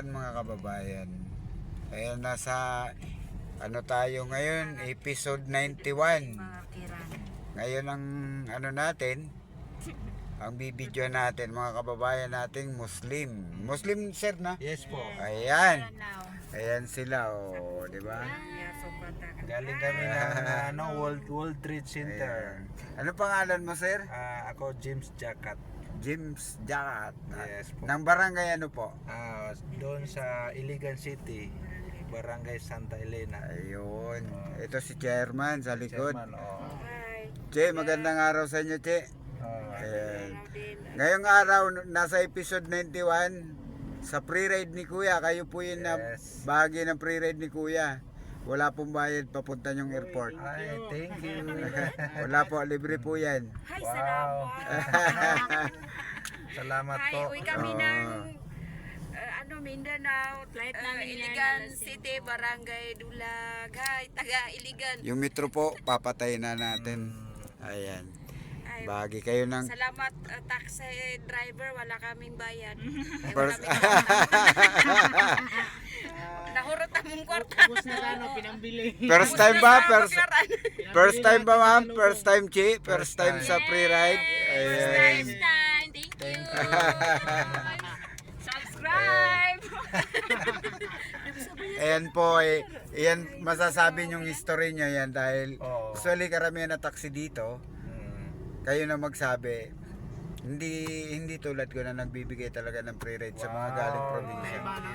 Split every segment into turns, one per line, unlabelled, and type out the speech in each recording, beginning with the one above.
hapon mga kababayan. Ayan, nasa ano tayo ngayon, episode 91. Ngayon ang ano natin, ang bibidyo natin mga kababayan nating Muslim. Muslim sir na?
Yes po.
Ayan. Ayan sila, oh, di ba?
Galing kami ng World Trade Center.
Ayan. Ano pangalan mo sir?
Ako James Jacat.
James Jacat.
Yes po.
Ng barangay ano po?
Doon sa Iligan City, Barangay Santa Elena.
Ayun. Ito si chairman sa likod.
Chairman,
Che, magandang araw sa inyo, Che. Ayan. Ngayong araw, nasa episode 91, sa pre-ride ni Kuya, kayo po yun na
Yes.
bahagi ng pre-ride ni Kuya. Wala pong bayad papunta yung airport.
Ay, thank you.
Wala po, libre po yan.
Hi,
Wow.
salamat.
Salamat
Hi,
po.
uwi kami ng Mindanao, Iligan City, Barangay Dulag. Hi, taga Iligan.
Yung metro po, papatay na natin. Ayan.
Ay,
Bahagi kayo ng...
salamat taxi driver, wala kaming bayad.
First,
Nahurot among kwarta.
first time ba? First time ba ma'am? First time, Chi? First time sa pre-ride? Ayan.
Thank you. Subscribe.
Ayan po, yan masasabi yung history nyo yan dahil
Oo.
usually karamihan na taxi dito, kayo na magsabi, hindi tulad ko na nagbibigay talaga ng free ride sa mga
Wow.
galing probinsya.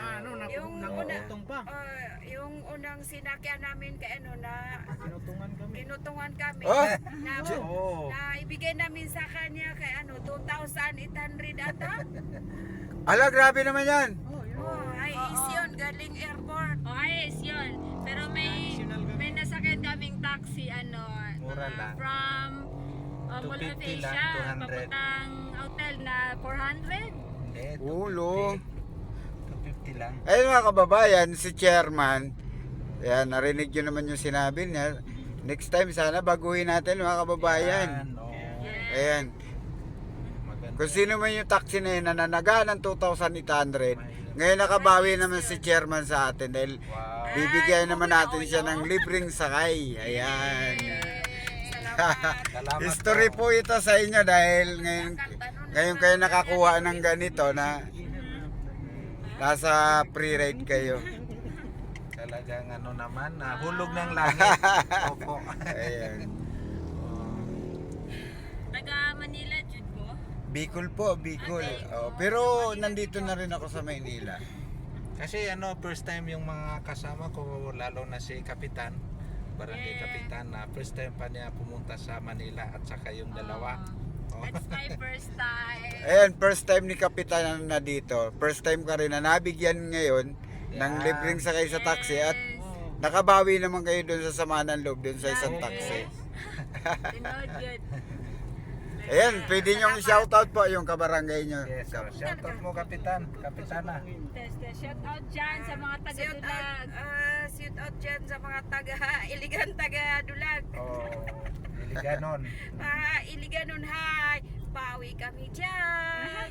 Yung unang sinakyan namin kay kinutungan kami.
Oh!
Na ibigay namin sa kanya kay 2,800 ata.
Ala, grabe naman yan!
Ay, is yun, galing airport.
Ayos yun. Pero may nasakyan kaming taxi,
Mura lang.
from
250 lang,
Malaysia,
200.
papuntang hotel na 400.
Hindi,
Ulo.
250 lang.
Ayun mga kababayan, si chairman, yan, narinig nyo naman yung sinabi niya. Next time sana baguhin natin mga kababayan. Ayan.
Maganda.
Kung sino man yung taxi na yun na nanaga ng 2,800, ngayon nakabawi naman si chairman sa atin dahil
Wow.
bibigyan naman natin siya ng libreng sakay. Ayan.
Salamat
History po ito sa inyo dahil ngayon kayo nakakuha ng ganito na nasa pre-ride kayo.
Talagang naman, hulog ng langit. Opo.
Ayan.
Taga Manila, Jude ko.
Bicol po, Bicol. Oh, pero nandito na rin ako sa Maynila.
Kasi first time yung mga kasama ko, lalo na si Kapitan, Barangay Kapitan, na first time pa niya pumunta sa Manila at saka yung dalawa. Oh.
That's my first time.
Ayan, first time ni Kapitan na dito. First time ka rin na nabigyan ngayon ng
Yeah.
libreng sakay sa taxi at nakabawi naman kayo doon sa samahan ng loob doon sa isang taxi.
Tinood good.
Ayan, pwede niyong shoutout po yung kabarangay niyo.
Yes, so shoutout mo Kapitan, Kapitana.
Shout out dyan sa mga taga Dulag.
Shout out dyan sa mga taga Iligan, taga Dulag.
Oh, Iliganon.
Iliganon, hi. Pawi kami dyan.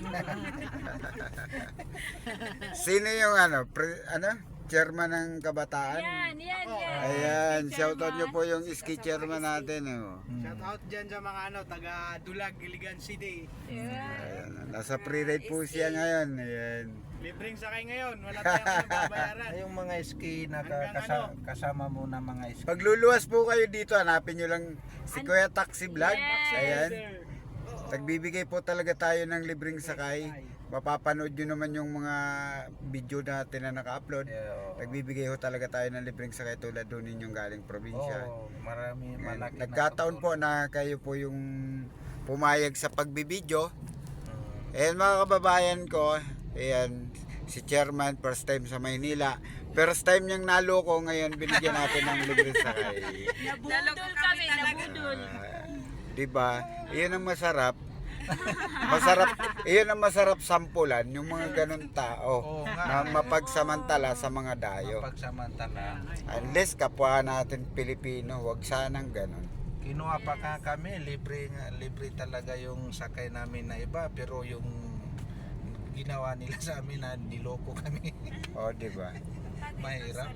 Sino yung chairman ng kabataan?
Yan.
Ayan, shoutout niyo po yung ski chairman natin. Oh.
Shout out dyan sa mga taga Dulag, Iligan City.
Ayan, nasa pre-ride po siya ngayon. Ayan.
Libreng sakay ngayon, wala tayong babayaran.
Ay, yung mga ski na kasama mo na mga ski.
Pagluluwas po kayo dito, hanapin nyo lang si Kuya Taxi Vlog.
Yes.
Ayan. Nagbibigay po talaga tayo ng libreng sakay. Mapapanood nyo naman yung mga video natin na naka-upload. Nagbibigay ho talaga tayo ng libreng sakay tulad doon ninyong galing probinsya.
Oh, marami malaki.
Nagkataon po na kayo po yung pumayag sa pagbibidyo. Ayan mga kababayan ko, ayan, si chairman first time sa Maynila. First time niyang naloko, ngayon binigyan natin ng libreng sakay.
Nabudol kami, nabudol.
Diba? Iyon ang masarap. Iyon ang masarap sampulan, yung mga ganun tao
Oo nga.
na mapagsamantala sa mga dayo.
Pagsamantala.
Unless kapwa natin Pilipino, wag sanang ganun.
Kinuha pa kami, libre talaga yung sakay namin na iba, pero yung ginawa nila sa amin na niloko kami.
O, di ba?
Mahirap.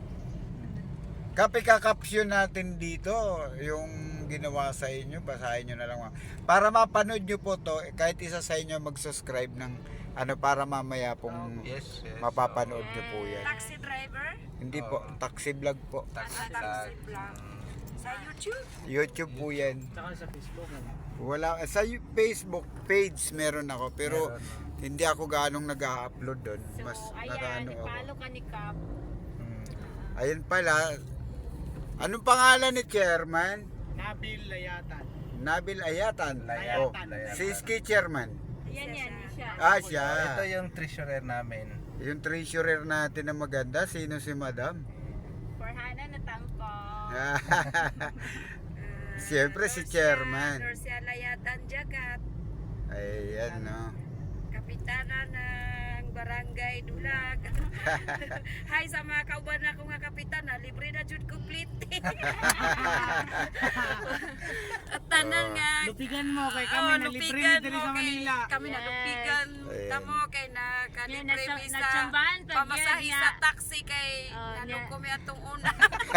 Kakapsyon natin dito yung ginawa sa inyo, basahin nyo na lang. Para mapanood nyo po to, kahit isa sa inyo mag-subscribe ng ano para mamaya pong
Yes, yes.
mapapanood nyo po yan.
Taxi driver?
Hindi po, taxi vlog po.
Taxi
Taxi
vlog.
vlog. Sa YouTube?
YouTube po yan.
Tsaka sa Facebook.
Wala, sa Facebook page meron ako, pero
Meron.
hindi ako ganong nag-upload doon.
So,
Mas
ayan,
nakaano ako.
ipalo ka ni Cap.
Ayun pala, anong pangalan ni Chairman?
Nabil Layatan.
Nabil Ayatan.
Layatan.
Oh,
Layatan.
si Ski Chairman.
Ayan yan, siya.
Ah, siya.
Ito yung treasurer namin.
Yung treasurer natin na maganda, sino si Madam?
For Hana na tangko.
Siyempre si Chairman.
Dorsia Layatan Jagat.
Ayan, no.
Kapitana ng Barangay Dulag. Hi sa mga kauban ako nga kapitana, libre na jud complete. At tanan nga
Lupigan mo kay kami
oh,
na libre
lupigan
diri
mo
sa
kay-
Manila.
Kami na
Yes.
lupigan
Ayan.
tamo kay na kalibre
Yan,
mi sa
natsambahan pa,
pamasahe
yan,
sa
nga.
taxi kay
Oh,
naloko
yan.
mi atong una.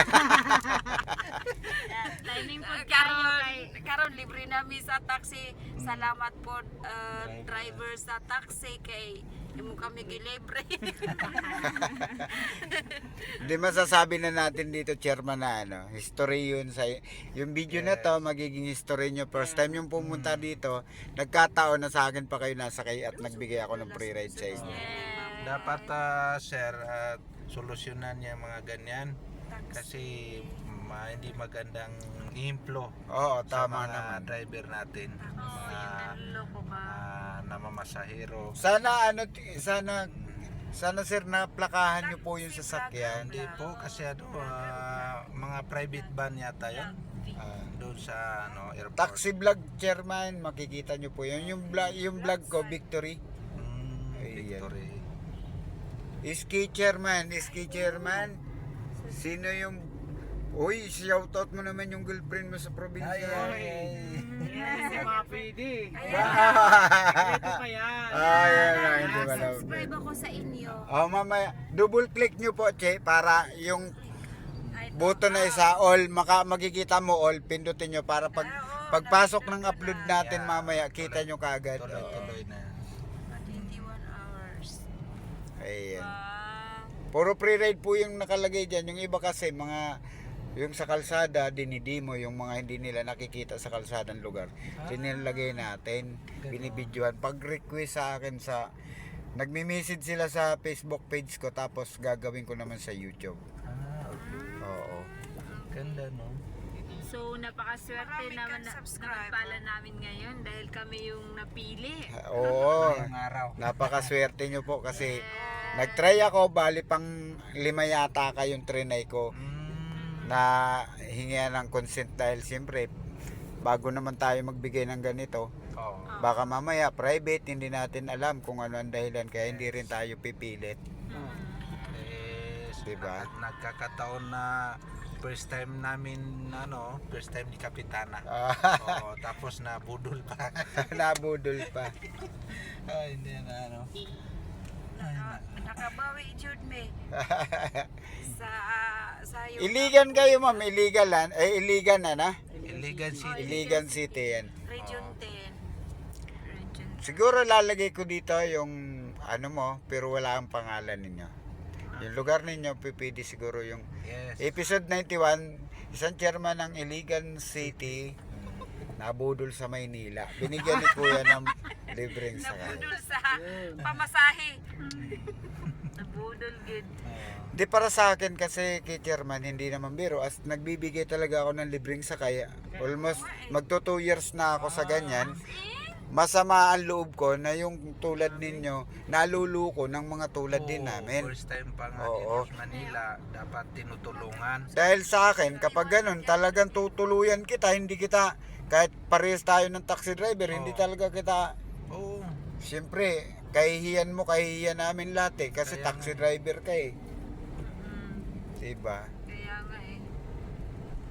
Timing po kayo
karon
kay...
karon libre na mi sa taxi. Salamat po driver sa taxi kay imo kami gilibre.
Hindi masasabi na natin dito, Chairman, na ano, history yun sa yung video na to, magiging history nyo. First time yung pumunta dito, nagkataon na sa akin pa kayo nasakay at nagbigay ako ng free ride sa inyo.
Dapat sir, solusyonan niya mga ganyan kasi hindi magandang implo
Oo,
sa
tama
mga
naman.
driver natin, mga
Loko ka.
namamasahero.
Sana sana sir naplakahan nyo po yung sasakyan.
Hindi po kasi mga private van yata yun doon sa airport.
Taxi vlog, Chairman, makikita nyo po yun. Yung vlog ko, Victory. Ayan.
Victory.
Iski Chairman. Sino yung... Uy, shoutout mo naman yung girlfriend mo sa probinsya.
Hindi mga pwede.
Ah,
Ito pa yan.
hindi ba daw?
Subscribe ako sa inyo.
Oh, mamaya, double click nyo po, Che, para yung button na isa, all, makikita mo all, pindutin nyo para pagpasok ng upload natin mamaya, kita nyo kaagad. Oo.
Tuloy-tuloy na.
21 hours.
Ayan.
Ah,
Puro pre-ride po yung nakalagay dyan. Yung iba kasi, yung sa kalsada, dinidimo yung mga hindi nila nakikita sa kalsadang lugar. Sinilagay natin, binibidyohan. Pag-request sa akin nagmi-message sila sa Facebook page ko, tapos gagawin ko naman sa YouTube.
Okay.
Oo.
Ganda, no?
So, napakaswerte
Marami
naman
kang
na
subscriber.
pala namin ngayon dahil kami yung napili.
Oo.
Ngayong araw.
Napakaswerte nyo po kasi nag-try ako, bali pang 5 yata kayong trinay ko na hingihan ng consent dahil siyempre bago naman tayo magbigay ng ganito,
Oo.
baka mamaya private, hindi natin alam kung ano ang dahilan, kaya hindi rin tayo pipilit.
Yes.
Diba?
Nagkakataon na first time namin, first time ni Kapitana. Oo, tapos na budol pa.
Nabudol pa.
Hindi na
nakabawi jud me sa yung
Iligan kayo, ma'am, iligan na.
Iligan City.
Iligan City yan.
Region 10. Region
Siguro lalagay ko dito yung ano mo, pero wala ang pangalan ninyo. Yung lugar ninyo, pipili siguro yung
Yes.
episode 91, isang chairman ng Iligan City, nabudol sa Maynila. Binigyan ni Kuya ng libreng sakay.
Nabudol sa pamasahe.
Nabudol good.
Di para sa akin kasi kay chairman, hindi naman biro. As nagbibigay talaga ako ng libreng sakay, almost magto 2 years na ako sa ganyan. Masama ang loob ko na yung tulad ninyo, naluluko ng mga tulad din namin.
First time pa nga
Oo.
dito sa Manila, dapat tinutulungan.
Dahil sa akin, kapag ganun, talagang tutuluyan kita, hindi kita, kahit parehas tayo ng taxi driver, hindi talaga kita,
Oo.
siyempre, kahihiyan mo, kahihiyan namin lahat eh, kasi
Kaya
taxi
nga.
driver ka eh. Diba?
Kaya nga eh.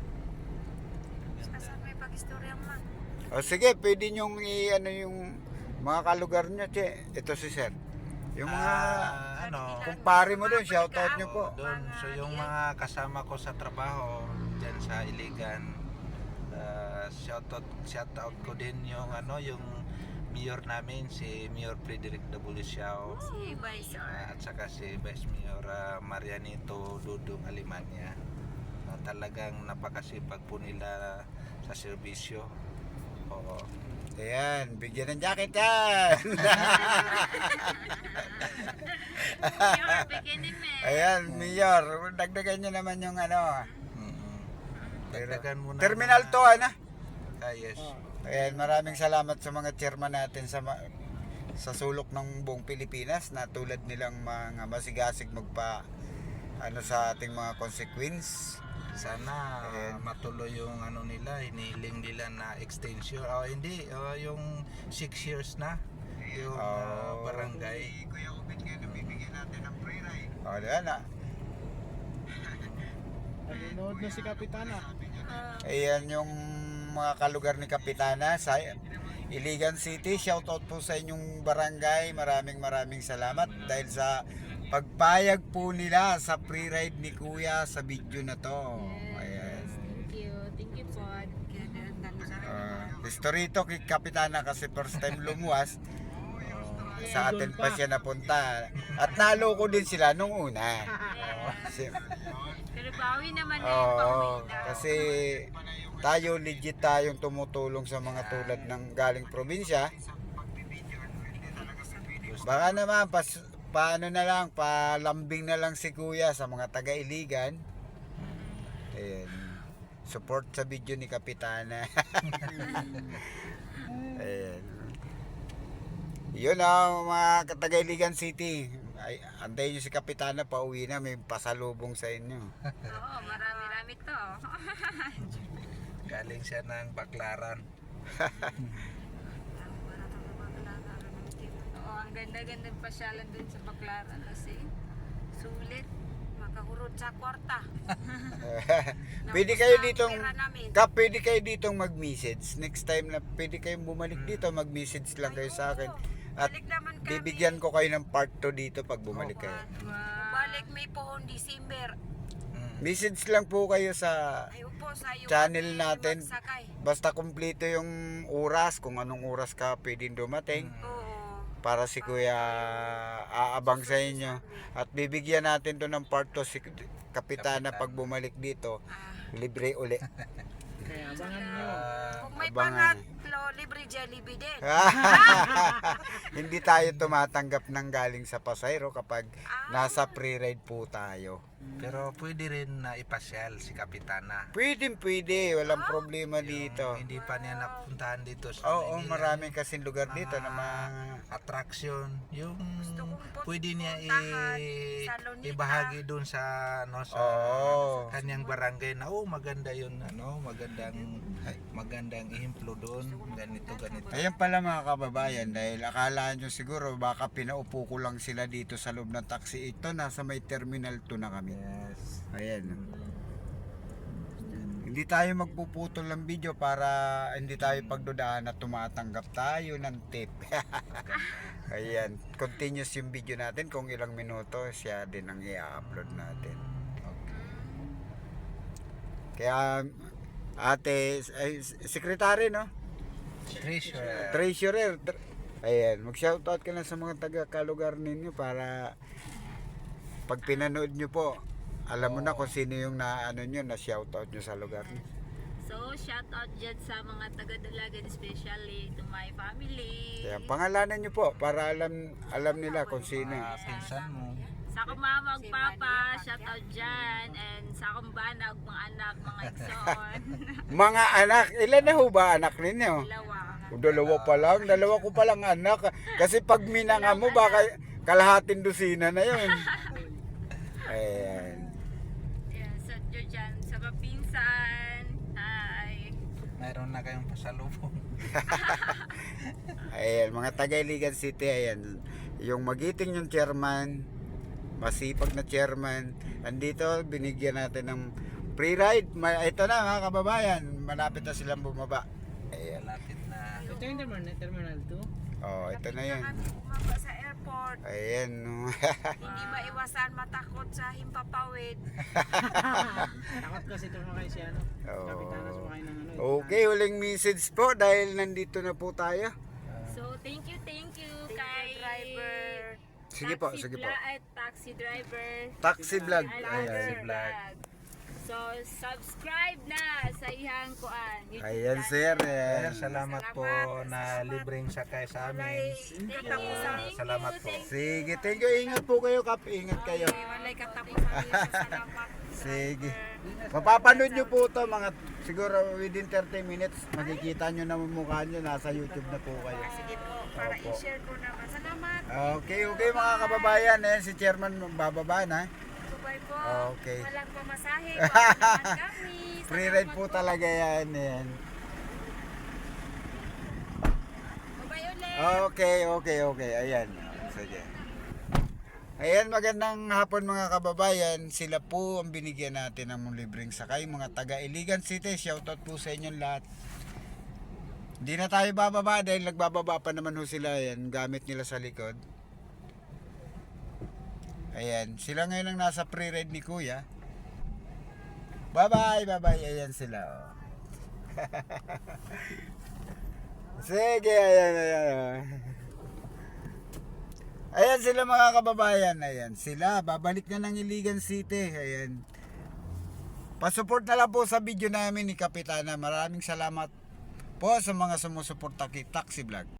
Saan may pag-istorya man?
O sige, pwede nyong i-ano yung Mga kalugar nyo, che. Ito si Sir. Yung mga kumpare mo doon, shoutout nyo po.
Doon, so yung mga kasama ko sa trabaho diyan sa Iligan, shoutout ko din yung yung mayor namin, si Mayor Frederick W. Siao,
Si Vice
at saka si Vice Mayor Marianito Dudong Alimanya, na talagang napakasipag po nila sa serbisyo. Oo.
Ayan, bigyan ng jacket yan.
You're beginning me.
Ayan, Mayor, dagdagan nyo naman yung
Dagdagan mo na.
Terminal to, ano?
Yes.
Ayan, maraming salamat sa mga chairman natin sa sulok ng buong Pilipinas na tulad nilang mga masigasig sa ating mga consequence.
Sana matuloy yung nila, hinihiling nila na extension. Yung 6 years na yung barangay.
Kuya Ubit ngayon, bibigyan natin ng free ride. Diyan na.
Nanonood na si Kapitana.
Ayan yung mga kalugar ni Kapitana sa Iligan City. Shoutout po sa inyong barangay. Maraming salamat dahil sa pagpayag po nila sa free ride ni Kuya sa video na to. Ayan.
Thank you po.
Historito kay Kapitana kasi first time lumuwas. Sa atin pa siya napunta. At naloko din sila nung una.
Pero bawi naman na yung pauwi na.
Kasi tayo legit tayong tumutulong sa mga tulad ng galing probinsya. Baka naman paano na lang, palambing na lang si Kuya sa mga taga-Iligan. Ayan. Support sa video ni Kapitana. Ayan. Yun ang mga taga-Iligan City. Ay, antayin nyo si Kapitana, pauwi na, may pasalubong sa inyo.
Oo, marami-rami to.
Galing siya ng Baklaran.
Oo, ang ganda-ganda pasyalan dun sa Baklaran kasi sulit.
makahurot sa kwarta.
Pwede kayo
Tapos
ditong
ang pera namin.
pwede kayo ditong mag-message. Next time na pwede kayong bumalik dito, mag-message lang kayo sa akin. At
Balik naman kami.
bibigyan ko kayo ng part 2 dito pag bumalik kayo.
Balik may pohon December.
Message lang po kayo sa
Ay upo sa iyo.
channel natin.
Magsakay.
Basta kumpleto yung oras, kung anong oras ka pwedeng dumating.
Oo.
Para si Kuya aabang sa inyo. At bibigyan natin to ng part 2 si Kapitana pag bumalik dito. Libre uli.
Kaya abangan nyo.
Kung may
abangan.
pangatlo, libre Jollibee din.
Hindi tayo tumatanggap ng galing sa pasayro kapag nasa pre-ride po tayo.
Pero pwede rin na ipasyal si Kapitana.
Pwede, walang problema dito.
Hindi pa niya napuntahan dito sa
Oo,
Manila.
maraming kasing lugar dito na
Attraction. Yung
kong
pwede niya
puntahan sa Lunita.
ibahagi doon sa sa
Oo.
kanyang barangay na maganda yun, magandang ehemplo doon, ganito.
Ayan pala mga kababayan, dahil akala nyo siguro baka pinaupo ko lang sila dito sa loob ng taxi. Ito, nasa may terminal 2 na kami.
Yes.
Ayan. Hindi tayo magpuputol ng video para hindi tayo pagdudahan na tumatanggap tayo ng tip. Ayan. Continuous yung video natin. Kung ilang minuto, siya din ang i-upload natin. Kaya, ate, secretary, no?
Treasure.
Treasurer. Ayan, mag-shoutout ka lang sa mga taga-kalugar ninyo para pag pinanood nyo po, alam mo na kung sino yung na-shoutout nyo sa lugar nyo.
So, shout out dyan sa mga taga-Dalagan, especially to my family.
Kaya pangalanan nyo po para alam nila kung sino.
Pinsan mo.
Sa akong mama ug papa, shout out dyan. And sa akong banag, mga anak, mga igsoon.
Mga anak, ilan na ho ba anak ninyo?
Dalawa.
Dalawa ko palang anak. Kasi pag minanga mo, baka kalahating dosina na yun. Ayan.
Yeah, sa dyan, sa kapinsan. Hi.
Mayroon na kayong pasalubong.
Ayan, mga taga-Iligan City, ayan. Yung magiting yung chairman, masipag na chairman. Andito, binigyan natin ng free ride. Ito na mga kababayan, malapit na silang bumaba. Ayan.
Malapit na.
Ito yung terminal 2?
Oh, ito na yun.
kami bumaba sa airport.
Ayan.
Hindi maiwasan matakot sa himpapawid.
Takot kasi tumakay si ano.
Oo.
Kapitana sumakay ng ano.
Okay, huling message po dahil nandito na po tayo.
So, thank you
Thank
kay
you, driver.
Sige po, sige po.
Taxi driver.
Taxi vlog.
Ay,
Ayan.
taxi vlog. So, subscribe na sa ihang kuan. YouTube
Ayan,
channel.
sir.
Ayan,
Ayan.
salamat po na libreng sakay sa amin. Salamat po.
Sige, thank you. Ingat po kayo, Kap. Ingat kayo.
Walay katapusan. Salamat.
Sige. Mapapanood nyo po to mga siguro within 30 minutes. Makikita nyo na mukha nyo. Nasa YouTube na po kayo.
Sige po, para
Opo.
i-share ko naman. Salamat.
Okay, okay mga kababayan. Eh, si Chairman bababa na.
Bye po.
Okay.
Walang pamasahe. Walang naman kami.
Free ride po talaga yan. Yan.
Bye ulit.
Okay. Ayan. Sige. Ayan, magandang hapon mga kababayan. Sila po ang binigyan natin ng libreng sakay. Mga taga Iligan City. Shoutout po sa inyong lahat. Hindi na tayo bababa dahil nagbababa pa naman ho sila. Ayan, gamit nila sa likod. Ayan, sila ngayon ang nasa pre-ride ni Kuya. Bye-bye. Ayan sila. Oh. Sige, ayan. Ayan sila mga kababayan. Ayan sila. Babalik na ng Iligan City. Ayan. Pasupport na lang po sa video namin ni Kapitana. Maraming salamat po sa mga sumusuporta kay Taxi Vlog.